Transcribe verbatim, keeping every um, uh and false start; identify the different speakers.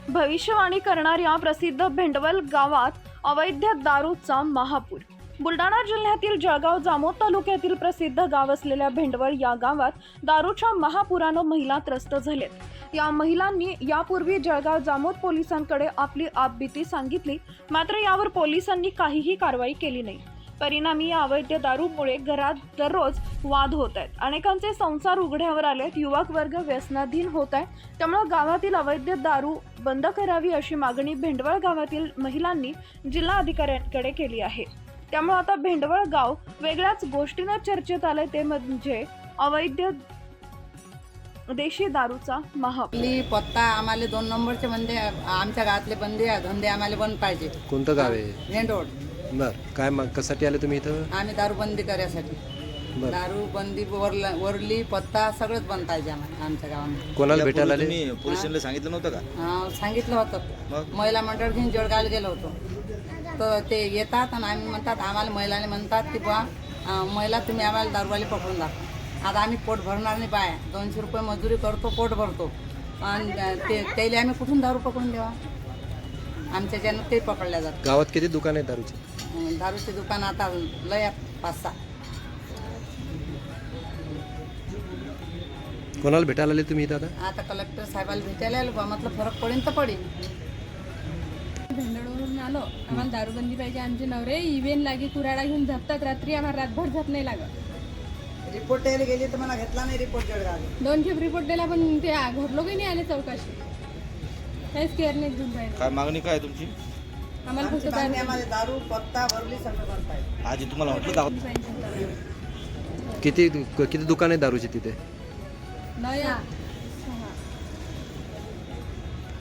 Speaker 1: भविष्यवाणी करणाऱ्या प्रसिद्ध भेंडवल गावात अवैध दारूचा महापूर। बुलढाणा जिल्ह्यातील जळगाव जामोद तालुक्यातील प्रसिद्ध गाव असलेल्या भेंडवळ या गावात दारूच्या महापुरानं महिला त्रस्त झालेत। या महिलांनी यापूर्वी जळगाव जामोद पोलिसांकडे आपली आपबीती सांगितली, मात्र यावर पोलिसांनी काहीही कारवाई केली नाही। परिणामी या अवैध दारूमुळे घरात दररोज वाद होत आहेत, अनेकांचे संसार उघड्यावर आलेत, युवक वर्ग व्यसनाधीन होत आहे। त्यामुळे गावातील अवैध दारू बंद करावी अशी मागणी भेंडवळ गावातील महिलांनी जिल्हा अधिकाऱ्यांकडे केली आहे। त्यामुळे आता भेंडवळ गाव वेगळ्याच गोष्टीनं चर्चेत आले, ते म्हणजे अवैध देशी दारूचा महापूर।
Speaker 2: पत्ता आम्हाला दोन नंबरचे बंदे, आमच्या गावातले बंदे धंदे आम्हाला बंद पाहिजे।
Speaker 3: कोणतं गाव आहे?
Speaker 2: भेंडवळ।
Speaker 3: बर, काय मग कशासाठी आले तुम्ही इथं?
Speaker 2: आम्ही दारू बंदी करायसाठी।
Speaker 3: बर,
Speaker 2: दारू बंदी वरला वरली पत्ता सगळंच बंद पाहिजे आम्हाला आमच्या गावामध्ये।
Speaker 3: कोणाला भेटायला आले?
Speaker 4: तुम्ही पोलिसांना सांगितलं नव्हतं का?
Speaker 2: हा, सांगितलं होतं।
Speaker 4: मग?
Speaker 2: महिला मंडळ घेऊन जळगावला गेलो होतो, तर ते येतात आणि आम्ही म्हणतात, आम्हाला महिलाने म्हणतात की बा महिला तुम्ही आम्हाला दारूवाले पकडून दाखवा। आता आम्ही पोट भरणार नाही, बाय दोनशे रुपये मजुरी करतो, पोट भरतो, आणि ते त्याला आम्ही कुठून दारू पकडून द्यावा? आमच्या ज्यानं ते पकडल्या जातात।
Speaker 3: गावात किती दुकान आहे दारूची?
Speaker 2: दारूची दुकान आता लय आहेत, पाच सहा।
Speaker 3: कोणाला भेटायला आले तुम्ही इथं आता?
Speaker 2: आता कलेक्टर साहेबाला भेटायला आलो बा, म्हटलं फरक पडेल तर पडेल।
Speaker 5: भेंडवळवरून आलो, आम्हाला दारूबंदी पाहिजे। आमचे नवरे इव्हेन लागे कुराडा घेऊन झपतात रात्री, आम्हाला रातभर झप नाही लागत।
Speaker 2: रिपोर्ट द्यायला गेली तर मला घेतला नाही रिपोर्ट जळगाव।
Speaker 5: दोन खेप रिपोर्ट दिला पण ते घर लोकही नाही आले चौकशी, काहीच केअर नाही घेऊन राहिले।
Speaker 4: काय मागणी काय आहे तुमची?
Speaker 5: आम्हाला फक्त
Speaker 2: आम्हाला दारू पत्ता भरली सगळं बंद पाहिजे।
Speaker 4: आजी तुम्हाला म्हटलं दारू
Speaker 5: पाहिजे।
Speaker 3: किती किती दुकान आहे दारूची तिथे?
Speaker 5: नया